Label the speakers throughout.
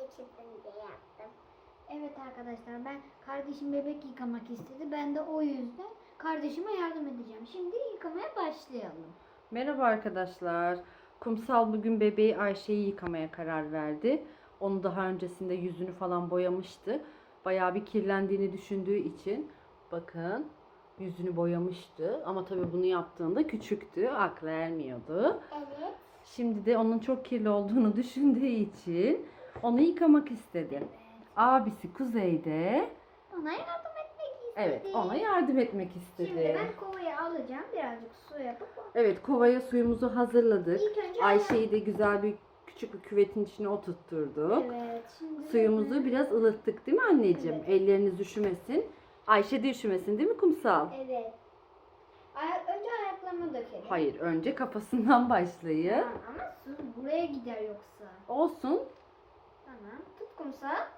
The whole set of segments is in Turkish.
Speaker 1: çıksın diye yaptım.
Speaker 2: Evet arkadaşlar, ben kardeşim bebek yıkamak istedi. Ben de o yüzden kardeşime yardım edeceğim. Şimdi yıkamaya başlayalım.
Speaker 3: Merhaba arkadaşlar. Kumsal bugün bebeği Ayşe'yi yıkamaya karar verdi. Onu daha öncesinde yüzünü falan boyamıştı. Bayağı bir kirlendiğini düşündüğü için bakın yüzünü boyamıştı. Ama tabii bunu yaptığında küçüktü. Aklı ermiyordu.
Speaker 1: Evet.
Speaker 3: Şimdi de onun çok kirli olduğunu düşündüğü için onu yıkamak istedi. Abisi Kuzey de
Speaker 2: Ona yardım etmek istedi.
Speaker 3: evet ona yardım etmek
Speaker 2: Şimdi
Speaker 3: istedi.
Speaker 2: ben kovayı alacağım. Birazcık su yapıp
Speaker 3: Evet, kovaya suyumuzu hazırladık.
Speaker 2: İlk önce
Speaker 3: Ayşe'yi de güzel bir küçük bir küvetin içine oturtturduk.
Speaker 2: Evet. Şimdi
Speaker 3: Suyumuzu biraz ılıttık değil mi anneciğim?
Speaker 2: Evet.
Speaker 3: Elleriniz üşümesin. Ayşe de üşümesin değil mi Kumsal?
Speaker 2: Evet. Önce ayaklarını dökelim.
Speaker 3: Hayır, önce kafasından başlayın.
Speaker 2: Tamam, ama su buraya gider yoksa.
Speaker 3: Olsun.
Speaker 2: Tamam. Tut kumsal.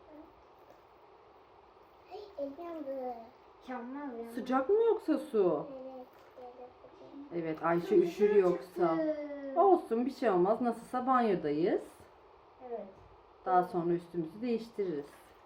Speaker 1: Elim yandı.
Speaker 2: Yanmaz ya.
Speaker 3: Sıcak mı yoksa su?
Speaker 1: Evet.
Speaker 3: Evet, Ayşe üşür yoksa. Olsun, bir şey olmaz. Nasılsa banyodayız.
Speaker 2: Evet.
Speaker 3: Daha sonra üstümüzü değiştiririz.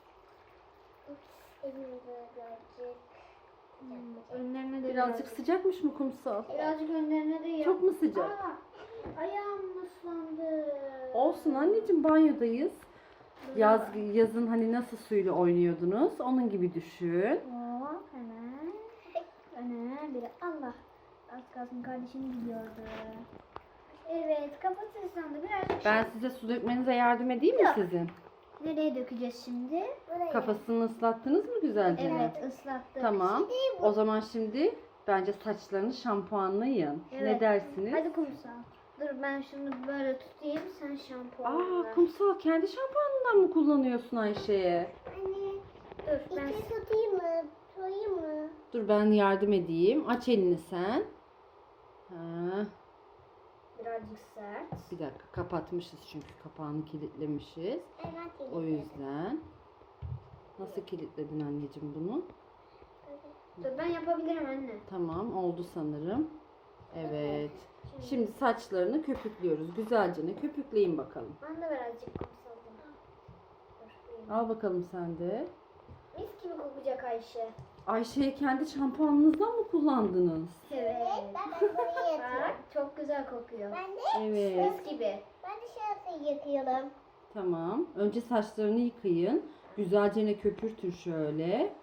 Speaker 1: Elim birazcık.
Speaker 2: Önlerine de
Speaker 3: Birazcık sıcakmış mı Kumsal?
Speaker 2: Birazcık önlerine de yap.
Speaker 3: Çok mu sıcak?
Speaker 2: Ayağım ıslandı.
Speaker 3: Olsun anneciğim, banyodayız. Yazın hani nasıl suyla oynuyordunuz? Onun gibi düşün.
Speaker 2: Hop hemen. Öne bir Allah. Az kalsın kardeşim gidiyordu. Evet, kafası ıslandı. Birazcık
Speaker 3: Ben size su dökmenize yardım edeyim mi
Speaker 2: Yok.
Speaker 3: sizin?
Speaker 2: nereye dökeceğiz şimdi?
Speaker 1: Buraya.
Speaker 3: Kafasını ıslattınız mı güzelce?
Speaker 2: Evet, ıslattık.
Speaker 3: Tamam. O zaman şimdi bence saçlarını şampuanlayın. Ne
Speaker 2: Evet.
Speaker 3: dersiniz?
Speaker 2: Hadi kumsal. Dur ben şunu böyle tutayım, sen şampuanla.
Speaker 3: Aa, Kumsal kendi şampuanından mı kullanıyorsun Ayşe'ye?
Speaker 1: Anne.
Speaker 2: Dur ben
Speaker 1: İçeri tutayım mı? Tutayım mı?
Speaker 3: Dur ben yardım edeyim. Aç elini sen. Ha,
Speaker 2: birazcık sert.
Speaker 3: bir dakika, kapatmışız çünkü kapağını kilitlemişiz.
Speaker 1: Evet.
Speaker 3: O yüzden. Nasıl kilitledin anneciğim bunu?
Speaker 2: Dur ben yapabilirim anne.
Speaker 3: Tamam, oldu sanırım. Evet. Şimdi saçlarını köpüklüyoruz. Güzelce ne köpükleyin bakalım.
Speaker 2: Ben de birazcık kumsaldım. Dur.
Speaker 3: Al bakalım sen de.
Speaker 2: Mis gibi kokacak Ayşe.
Speaker 3: Ayşe'ye kendi şampuanınızdan mı kullandınız?
Speaker 2: Evet.
Speaker 1: Ben buraya yatıyorum.
Speaker 2: Bak çok güzel kokuyor.
Speaker 1: Ben de
Speaker 3: Evet.
Speaker 2: Mis gibi.
Speaker 1: ben de şurası yakıyorum.
Speaker 3: Tamam. Önce saçlarını yıkayın. Güzelce ne köpürtün şöyle.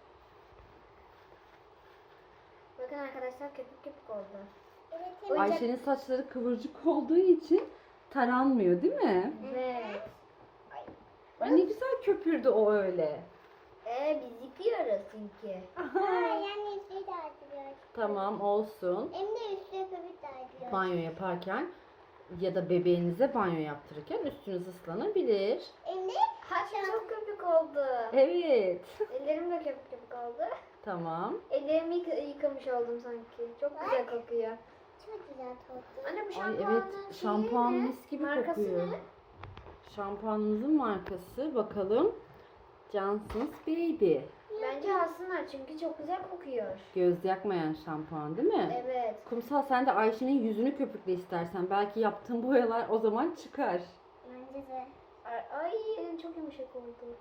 Speaker 2: Bakın arkadaşlar köpük köpük oldu.
Speaker 1: Evet.
Speaker 2: Oyuncak-
Speaker 3: Ayşe'nin saçları kıvırcık olduğu için taranmıyor değil mi?
Speaker 2: Evet.
Speaker 3: Ay ne güzel köpürdü o öyle.
Speaker 2: Biz yıkıyoruz çünkü.
Speaker 1: Yani üstü de açıyor.
Speaker 3: Tamam, olsun.
Speaker 1: Hem de üstü köpük de açıyor.
Speaker 3: Banyo yaparken ya da bebeğinize banyo yaptırırken üstünüz ıslanabilir.
Speaker 1: Hem de
Speaker 2: Çok köpük oldu.
Speaker 3: Evet.
Speaker 2: Ellerim de köpük köpük oldu.
Speaker 3: Tamam.
Speaker 2: Ellerimi yıkamış oldum sanki. Çok güzel kokuyor.
Speaker 1: çok güzel tatlı.
Speaker 2: Anne bu
Speaker 3: Ay
Speaker 2: şampuanın
Speaker 3: evet, şampuan
Speaker 2: ne?
Speaker 3: mis gibi
Speaker 2: Markası
Speaker 3: kokuyor.
Speaker 2: ne?
Speaker 3: Şampuanımızın markası bakalım. Johnson's Baby.
Speaker 2: Bence alsınlar çünkü çok güzel kokuyor.
Speaker 3: Göz yakmayan şampuan değil mi?
Speaker 2: Evet.
Speaker 3: Kumsal sen de Ayşe'nin yüzünü köpükle istersen. Belki yaptığın boyalar o zaman çıkar.
Speaker 1: Bence de.
Speaker 2: Ay elim çok yumuşak oldu.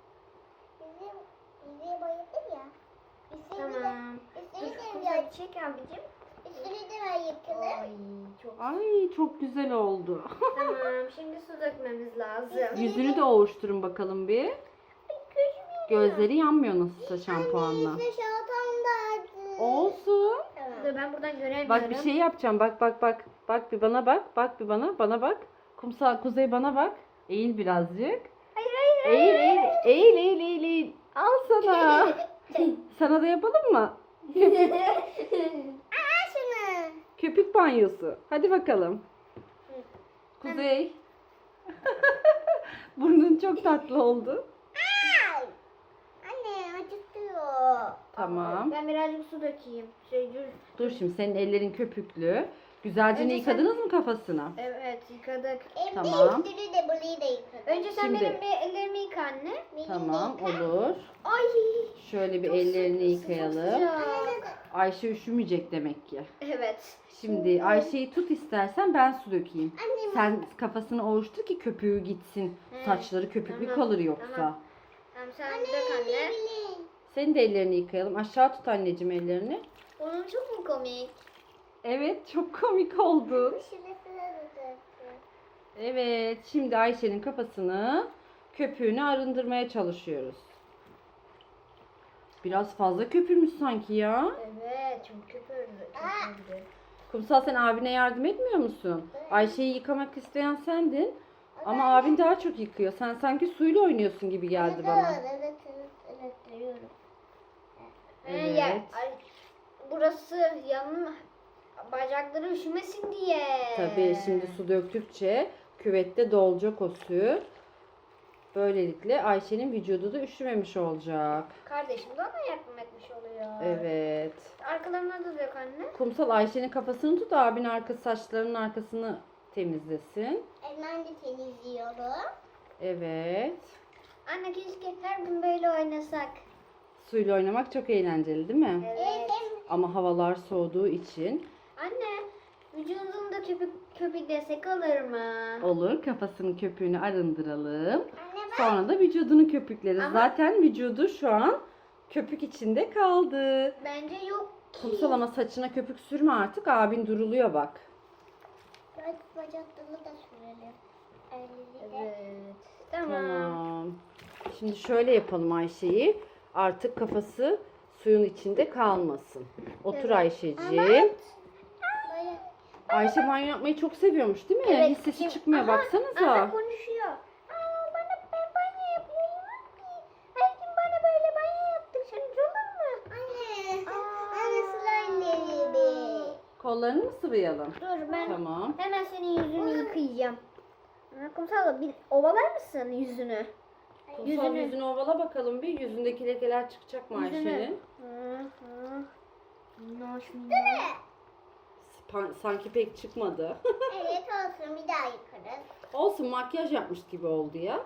Speaker 1: Bizi bayıldım ya. Üstünü de,
Speaker 2: Tamam.
Speaker 1: üstünü de
Speaker 2: Dur,
Speaker 1: biraz,
Speaker 2: çek abicim.
Speaker 1: üstünü de ben yıkadım.
Speaker 2: Ay çok.
Speaker 3: Ay çok güzel oldu.
Speaker 2: Tamam şimdi su dökmemiz lazım.
Speaker 3: Yüzünü de ovuşturun bakalım bir. Gözleri yanmıyor nasılsa şampuanla.
Speaker 1: Üstü şaltam da açtı.
Speaker 3: Olsun.
Speaker 2: Dur ben buradan göremiyorum.
Speaker 3: Bak bir şey yapacağım. Bak bak bak. Bak bir bana bak. Bak bir bana. Bana bak. Kumsal Kuzey bana bak. Eğil birazcık.
Speaker 2: Hayır.
Speaker 3: Eğil eğil. Eğil eğil eğil eğil. Al sana. Sana da yapalım mı?
Speaker 1: Aa şunu.
Speaker 3: Köpük banyosu. Hadi bakalım. Kuzey. Burnun çok tatlı oldu.
Speaker 1: Ay. Anne acıtıyor.
Speaker 3: Tamam.
Speaker 2: Ben birazcık su dökeyim. Dur.
Speaker 3: Dur şimdi senin ellerin köpüklü. Güzelce
Speaker 2: Önce
Speaker 3: yıkadınız mı kafasına?
Speaker 2: Evet yıkadık.
Speaker 1: Hem
Speaker 3: Tamam.
Speaker 1: de üstünü de burayı da yıkadım.
Speaker 2: Önce sen
Speaker 3: Şimdi-
Speaker 2: benim bir ellerimi yıka anne.
Speaker 1: Benim
Speaker 3: Tamam
Speaker 1: de yıka.
Speaker 3: olur.
Speaker 2: Ay.
Speaker 3: Şöyle bir
Speaker 2: Çok
Speaker 3: ellerini
Speaker 2: sıcak,
Speaker 3: yıkayalım.
Speaker 2: sıcak.
Speaker 3: Ayşe üşümeyecek demek ki.
Speaker 2: Evet.
Speaker 3: Şimdi Ayşe'yi tut istersen ben su dökeyeyim.
Speaker 1: Annem
Speaker 3: Sen kafasını ovuştur ki köpüğü gitsin. Saçları köpüklü
Speaker 2: Tamam,
Speaker 3: kalır yoksa.
Speaker 2: tamam. Tamam sen dök anne.
Speaker 1: Bilin.
Speaker 3: Senin de ellerini yıkayalım. Aşağı tut anneciğim ellerini.
Speaker 2: Onun çok mu komik?
Speaker 3: Evet, çok komik oldun.
Speaker 1: Şurası da
Speaker 3: Evet, şimdi Ayşe'nin kafasını, köpüğünü arındırmaya çalışıyoruz. Biraz fazla köpürmüş sanki ya.
Speaker 2: Evet çok köpürdü.
Speaker 3: Kumsal, sen abine yardım etmiyor musun? Ayşe'yi yıkamak isteyen sendin. Ama abin daha çok yıkıyor. Sen sanki suyla oynuyorsun gibi geldi bana.
Speaker 1: Evet, diyorum.
Speaker 3: Evet.
Speaker 2: Burası yanın bacakları üşümesin diye.
Speaker 3: Tabii şimdi su döktükçe küvette dolacak o su. Böylelikle Ayşe'nin vücudu da üşümemiş olacak.
Speaker 2: Kardeşim de ona yardım etmiş oluyor.
Speaker 3: Evet.
Speaker 2: Arkalarına da dök anne.
Speaker 3: Kumsal, Ayşe'nin kafasını tut, abin saçlarının arkasını temizlesin.
Speaker 1: Ben de temizliyorum.
Speaker 3: Evet.
Speaker 2: Anne keşke her gün böyle oynasak.
Speaker 3: Suyla oynamak çok eğlenceli değil mi?
Speaker 2: Evet.
Speaker 3: Ama havalar soğuduğu için
Speaker 2: Anne vücudunda köpük desek olur mu?
Speaker 3: olur. Kafasının köpüğünü arındıralım.
Speaker 1: Anne bak.
Speaker 3: Sonra da vücudunu köpükleriz.
Speaker 2: Ama-
Speaker 3: Zaten vücudu şu an köpük içinde kaldı.
Speaker 2: Bence yok ki.
Speaker 3: Kumsal, ama saçına köpük sürme artık. Abin duruluyor bak.
Speaker 1: Bacaklarını da sürelim. Elini de.
Speaker 2: Evet. Tamam.
Speaker 3: Tamam. Şimdi şöyle yapalım Ayşe'yi. Artık kafası suyun içinde kalmasın. Otur
Speaker 2: Evet.
Speaker 3: Ayşe'ciğim.
Speaker 1: Baya-
Speaker 3: Ayşe banyo yapmayı çok seviyormuş değil mi?
Speaker 2: Evet,
Speaker 3: Hiç sesi
Speaker 2: şimdi-
Speaker 3: çıkmıyor,
Speaker 2: Aha,
Speaker 3: baksanıza.
Speaker 2: Anne konuşuyor. Ben banyo yapıyorum. Her gün bana böyle banyo yaptık. Sence olur mu?
Speaker 1: Anne.
Speaker 2: Aa.
Speaker 1: Anne slime
Speaker 3: Kollarını mı sıvayalım?
Speaker 2: Dur ben
Speaker 3: Tamam.
Speaker 2: hemen senin yüzünü yıkayacağım. Kumsal bir ovalar mısın yüzünü?
Speaker 3: Kumsal, yüzünü ovala bakalım bir. Yüzündeki lekeler çıkacak mı Ayşe'nin? Sanki pek çıkmadı.
Speaker 1: Evet olsun, bir daha yıkarız.
Speaker 3: Olsun, makyaj yapmış gibi oldu ya.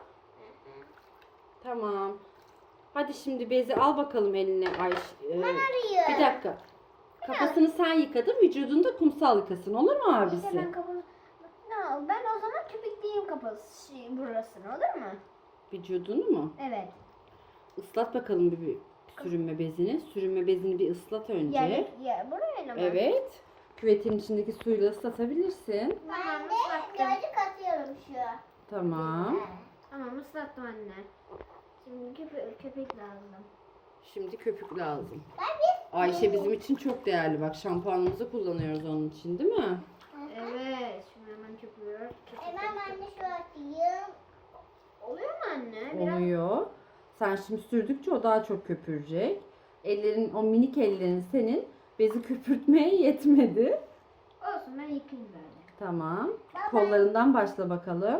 Speaker 3: Tamam. Hadi şimdi bezi al bakalım eline Ayşe.
Speaker 1: Arıyor.
Speaker 3: Bir dakika. Kafasını sen yıkadın, vücudunu da Kumsal yıkasın. Olur mu abisi?
Speaker 2: İşte ben o zaman köpükleyeyim kafası burasını olur mu?
Speaker 3: Vücudunu mu?
Speaker 2: Evet.
Speaker 3: Islat bakalım bir sürünme bezini. Sürünme bezini bir ıslat önce.
Speaker 2: Ya buraya mı?
Speaker 3: Evet. Küvetin içindeki suyla ıslatabilirsin.
Speaker 1: Ben de
Speaker 2: ıslattım.
Speaker 1: birazcık atıyorum şu.
Speaker 3: Tamam.
Speaker 2: Tamam ıslattım anne. Şimdi köpek lazım.
Speaker 3: Şimdi köpük lazım.
Speaker 1: Ben bir...
Speaker 3: Ayşe bizim için çok değerli. Bak, şampuanımızı kullanıyoruz onun için değil mi?
Speaker 2: Evet. Şimdi hemen köpüğü.
Speaker 1: Hemen ben de şu atayım.
Speaker 2: Oluyor mu anne? Biraz
Speaker 3: Oluyor. Sen şimdi sürdükçe o daha çok köpürecek. O minik ellerin senin bezi köpürtmeye yetmedi.
Speaker 2: olsun, ben yıkayayım böyle.
Speaker 3: Tamam. Kollarından başla bakalım.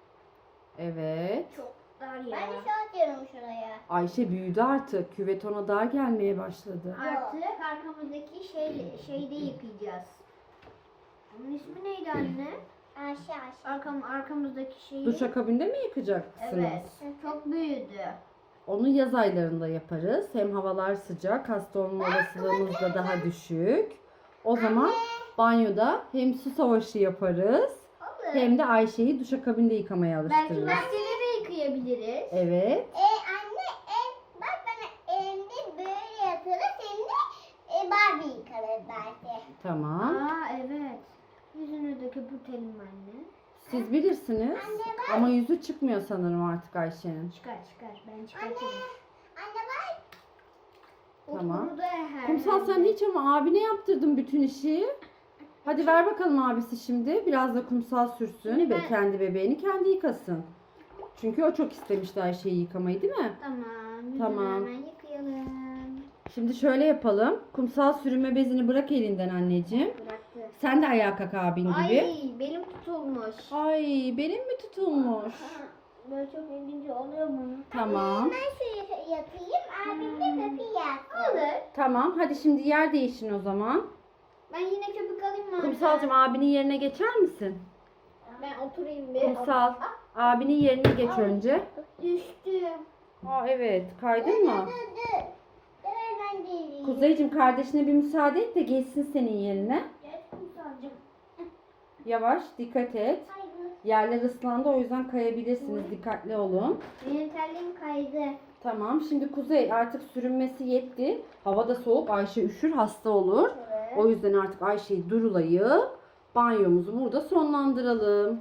Speaker 3: Evet.
Speaker 2: Çok dar ya.
Speaker 1: Ben de şu atıyorum şuraya.
Speaker 3: Ayşe büyüdü artık. Küvet ona dar gelmeye başladı.
Speaker 2: Artık arkamızdaki şeyde yıkayacağız. Onun ismi neydi anne?
Speaker 1: Aşağı.
Speaker 2: Arkamızdaki şeyi.
Speaker 3: Duşakabinde mi yıkacaksınız?
Speaker 2: Evet. Çok büyüdü.
Speaker 3: Onu yaz aylarında yaparız. Hem havalar sıcak, hasta olma olasılığımız da daha düşük. O zaman banyoda hem su savaşı yaparız,
Speaker 2: Olur.
Speaker 3: hem de Ayşe'yi duşakabinde yıkamaya
Speaker 2: Belki
Speaker 3: alıştırırız.
Speaker 2: bahçede de yıkayabiliriz.
Speaker 3: Evet.
Speaker 1: Anne bak bana elimde böyle yaparız. Hem de Barbie yıkarız belki.
Speaker 3: Tamam.
Speaker 2: Aa evet. Yüzünü de köpürtelim anne.
Speaker 3: Siz bilirsiniz. Ama yüzü çıkmıyor sanırım artık Ayşe'nin.
Speaker 2: Çıkar. Ben çıkartırım.
Speaker 1: Anne bak.
Speaker 3: Tamam.
Speaker 2: Bunu da her
Speaker 3: Kumsal, sen hiç ama abine yaptırdın bütün işi. Hadi ver bakalım abisi şimdi. Biraz da Kumsal sürsün
Speaker 2: Şimdi
Speaker 3: ve
Speaker 2: ben-
Speaker 3: kendi bebeğini kendi yıkasın. Çünkü o çok istemişti Ayşe'yi yıkamayı, değil mi?
Speaker 2: Tamam. Yüzünü
Speaker 3: Tamam.
Speaker 2: hemen yıkayalım.
Speaker 3: Şimdi şöyle yapalım. Kumsal, sürünme bezini bırak elinden anneciğim.
Speaker 2: Bıraktı.
Speaker 3: Sen de ayağa kalk abin gibi.
Speaker 2: Ay benim tutulmuş.
Speaker 3: Ay, benim mi tutulmuş?
Speaker 2: Böyle çok ilginç oluyor mu?
Speaker 3: Tamam.
Speaker 1: Ben şu yatayım. Abim de köpeği yatsın.
Speaker 2: Olur.
Speaker 3: Tamam. Hadi şimdi yer değişin o zaman.
Speaker 2: Ben yine köpük alayım mı?
Speaker 3: Kumsalcığım, abinin yerine geçer misin?
Speaker 2: Ben oturayım bir.
Speaker 3: Kumsal, abinin yerine geç önce.
Speaker 2: Düştüm.
Speaker 3: Aa, evet. Kaydın mı?
Speaker 1: Dur. Ben de
Speaker 3: Kuzeyciğim, kardeşine bir müsaade et de geçsin senin yerine.
Speaker 2: Geç Kumsalcığım.
Speaker 3: Yavaş, dikkat et.
Speaker 1: Hayır.
Speaker 3: Yerler ıslandı, o yüzden kayabilirsiniz. Dikkatli olun.
Speaker 2: Benim terliğim kaydı.
Speaker 3: Tamam, şimdi Kuzey artık sürünmesi yetti. Hava da soğuk, Ayşe üşür, hasta olur.
Speaker 2: Evet.
Speaker 3: O yüzden artık Ayşe'yi durulayıp banyomuzu burada sonlandıralım.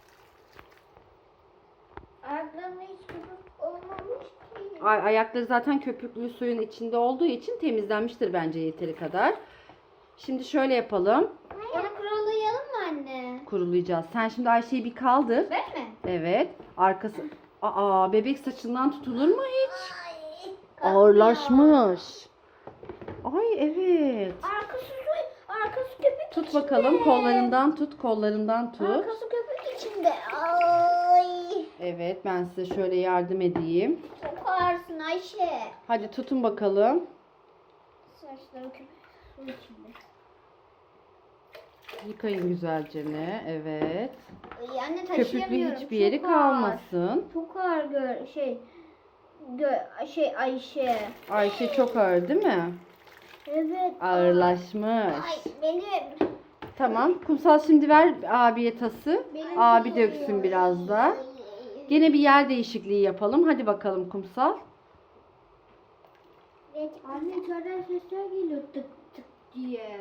Speaker 2: Ayaklarımda hiç köpük olmamış ki.
Speaker 3: Ayakları zaten köpüklü suyun içinde olduğu için temizlenmiştir bence yeteri kadar. Şimdi şöyle yapalım.
Speaker 2: Onu kurulayalım mı anne?
Speaker 3: Kurulayacağız. Sen şimdi Ayşe'yi bir kaldır.
Speaker 2: Ben mi?
Speaker 3: Evet. Arkası... Bebek saçından tutulur mu hiç?
Speaker 2: Kalkmıyor.
Speaker 3: Ağırlaşmış. Ay evet.
Speaker 2: Arkası köpük
Speaker 3: Tut
Speaker 2: içinde.
Speaker 3: bakalım, kollarından tut, kollarından tut.
Speaker 2: Arkası köpük içinde. Ay.
Speaker 3: Evet, ben size şöyle yardım edeyim.
Speaker 2: Çok ağırsın Ayşe.
Speaker 3: Hadi tutun bakalım.
Speaker 2: Saçları köpük su içinde.
Speaker 3: Yıkayın güzelce ne? Evet.
Speaker 2: Ay anne
Speaker 3: Köpüklü
Speaker 2: taşıyamıyorum.
Speaker 3: hiçbir yeri
Speaker 2: Çok ağır.
Speaker 3: kalmasın.
Speaker 2: Çok ağır Ayşe.
Speaker 3: Ayşe çok ağır değil mi?
Speaker 2: Evet.
Speaker 3: Ağırlaşmış.
Speaker 2: Ay benim.
Speaker 3: Tamam. Kumsal şimdi ver abiye tası.
Speaker 2: Benim
Speaker 3: Abi
Speaker 2: değil.
Speaker 3: döksün biraz da. Gene bir yer değişikliği yapalım. Hadi bakalım Kumsal.
Speaker 2: Anne içeriden sesler geliyor tık tık diye.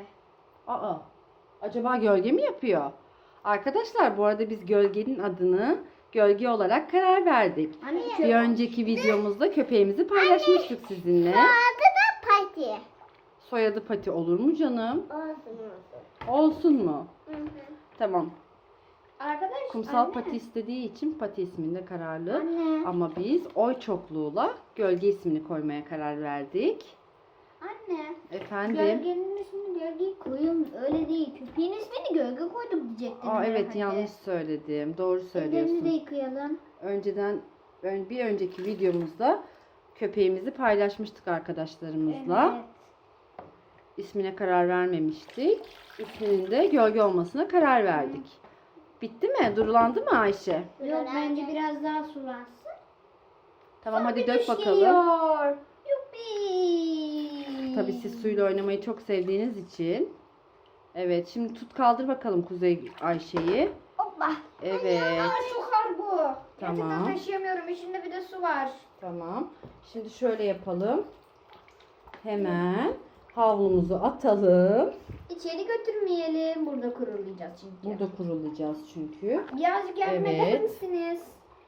Speaker 3: Acaba gölge mi yapıyor? Arkadaşlar bu arada biz gölgenin adını gölge olarak karar verdik.
Speaker 2: Anne
Speaker 3: Bir önceki videomuzda köpeğimizi paylaşmıştık sizinle.
Speaker 1: Adı da Pati.
Speaker 3: Soyadı Pati olur mu canım?
Speaker 1: Olsun.
Speaker 3: Olsun mu?
Speaker 1: Hı hı.
Speaker 3: Tamam.
Speaker 2: Arkadaş
Speaker 3: Kumsal
Speaker 2: anne.
Speaker 3: Pati istediği için Pati isminde kararlı.
Speaker 2: Anne.
Speaker 3: Ama biz oy çokluğuyla gölge ismini koymaya karar verdik.
Speaker 2: Anne.
Speaker 3: Efendim?
Speaker 2: Gölgenin ismini gölgeyi koyun. Öyle değil. Köpeğin ismini gölge koydum diyecektim.
Speaker 3: Evet
Speaker 2: herhalde.
Speaker 3: yanlış söyledim. Doğru
Speaker 2: Ellerimizi de
Speaker 3: söylüyorsun.
Speaker 2: yıkayalım.
Speaker 3: Bir önceki videomuzda köpeğimizi paylaşmıştık arkadaşlarımızla.
Speaker 2: Evet.
Speaker 3: İsmine karar vermemiştik. İsminin de gölge olmasına karar verdik. Bitti mi? Durulandı mı Ayşe?
Speaker 2: Yok bence biraz daha sulansın.
Speaker 3: Tamam hadi
Speaker 2: Bir
Speaker 3: dök bakalım.
Speaker 2: düşüyor. Yuppi.
Speaker 3: Tabii siz suyla oynamayı çok sevdiğiniz için. Evet şimdi tut kaldır bakalım Kuzey Ayşe'yi.
Speaker 2: Hoppa.
Speaker 3: Evet.
Speaker 2: Aa, çok ağır bu.
Speaker 3: Tamam.
Speaker 2: Gerçekten taşıyamıyorum. İçinde bir de su var.
Speaker 3: Tamam. Şimdi şöyle yapalım. Hemen havlumuzu atalım.
Speaker 2: İçeri götürmeyelim. Burada kurulayacağız çünkü.
Speaker 3: Burada kurulayacağız çünkü.
Speaker 2: Birazcık yardım
Speaker 3: Evet.
Speaker 2: eder misiniz?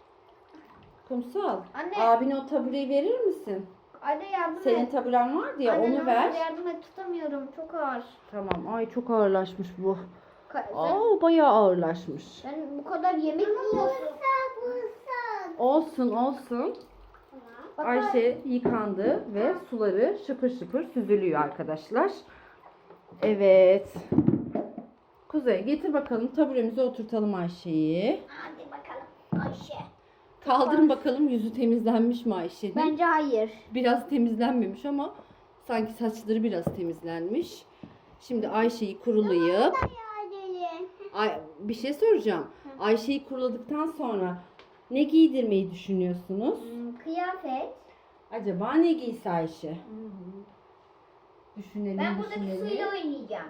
Speaker 3: Kumsal,
Speaker 2: Anne.
Speaker 3: abine o tabureyi verir misin?
Speaker 2: Anne yardım
Speaker 3: Senin
Speaker 2: et.
Speaker 3: taburen vardı ya
Speaker 2: Anne, ne
Speaker 3: onu
Speaker 2: olur
Speaker 3: ver.
Speaker 2: yardım et. Tutamıyorum. Çok ağır.
Speaker 3: Tamam. Ay çok ağırlaşmış bu.
Speaker 2: Sen,
Speaker 3: Bayağı ağırlaşmış.
Speaker 2: sen bu kadar yemek mi yiyorsun?
Speaker 3: Olsun olsun.
Speaker 2: Bak,
Speaker 3: Ayşe yıkandı ve suları şıpır şıpır süzülüyor arkadaşlar. Evet. Kuzey getir bakalım taburemize oturtalım Ayşe'yi.
Speaker 2: Hadi bakalım Ayşe.
Speaker 3: Kaldırın bakalım yüzü temizlenmiş mi Ayşe'nin?
Speaker 2: Bence hayır.
Speaker 3: Biraz temizlenmemiş ama sanki saçları biraz temizlenmiş. Şimdi Ayşe'yi kurulayıp bir şey soracağım. Ayşe'yi kuruladıktan sonra ne giydirmeyi düşünüyorsunuz?
Speaker 2: Kıyafet.
Speaker 3: Acaba ne giyse Ayşe? Düşünelim,
Speaker 2: Ben buradaki
Speaker 3: düşünelim.
Speaker 2: suyla oynayacağım.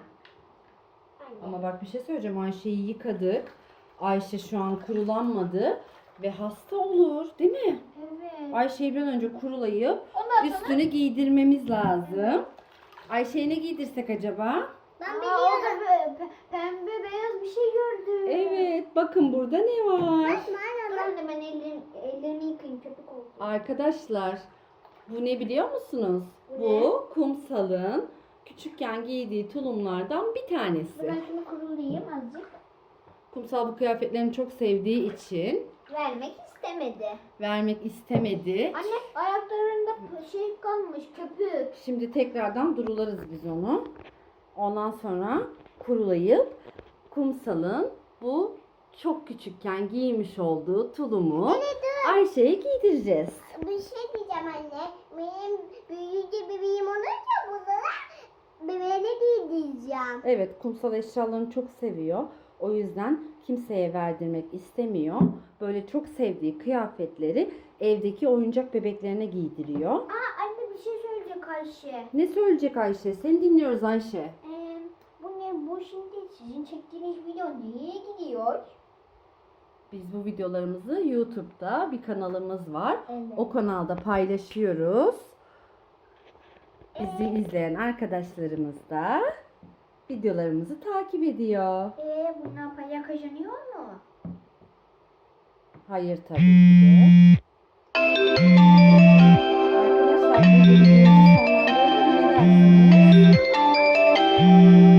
Speaker 3: Ama bak bir şey söyleyeceğim. Ayşe'yi yıkadık. Ayşe şu an kurulanmadı ve hasta olur, değil mi?
Speaker 2: Evet.
Speaker 3: Ayşe'yi bir an önce kurulayıp
Speaker 2: Ondan sonra
Speaker 3: üstüne giydirmemiz lazım. Ayşe'ye ne giydirsek acaba?
Speaker 1: Ben
Speaker 2: orada
Speaker 1: biliyorum.
Speaker 2: pembe beyaz bir şey gördüm.
Speaker 3: Evet, bakın burada ne var?
Speaker 2: Ben de ellerimi yıkayayım köpük oldu.
Speaker 3: Arkadaşlar, bu ne biliyor musunuz? Bu Kumsal'ın küçükken giydiği tulumlardan bir tanesi.
Speaker 2: Ben şunu kurulayayım azıcık.
Speaker 3: Kumsal bu kıyafetlerini çok sevdiği için
Speaker 2: Vermek istemedi.
Speaker 3: vermek istemedi.
Speaker 2: Anne ayaklarında şey kalmış köpük.
Speaker 3: Şimdi tekrardan durularız biz onu. Ondan sonra kurulayıp Kumsal'ın bu çok küçükken giymiş olduğu tulumu Ayşe'ye giydireceğiz.
Speaker 1: Bir şey diyeceğim anne. Benim büyüyünce bebeğim olunca bunlara bebeğine giydireceğim.
Speaker 3: Evet, Kumsal eşyalarını çok seviyor. O yüzden kimseye verdirmek istemiyor. Böyle çok sevdiği kıyafetleri evdeki oyuncak bebeklerine giydiriyor.
Speaker 2: Anne bir şey söyleyecek Ayşe.
Speaker 3: Ne söyleyecek Ayşe? Seni dinliyoruz Ayşe.
Speaker 2: Bu ne bu şimdi sizin çektiğiniz video nereye gidiyor?
Speaker 3: Biz bu videolarımızı YouTube'da bir kanalımız var.
Speaker 2: Evet.
Speaker 3: O kanalda paylaşıyoruz. Bizi izleyen arkadaşlarımız da videolarımızı takip ediyor.
Speaker 2: Bundan para kazanıyor mu?
Speaker 3: Hayır tabii ki de. Arkadaşlar bu videoyu sonlandıralım. Ne dersiniz?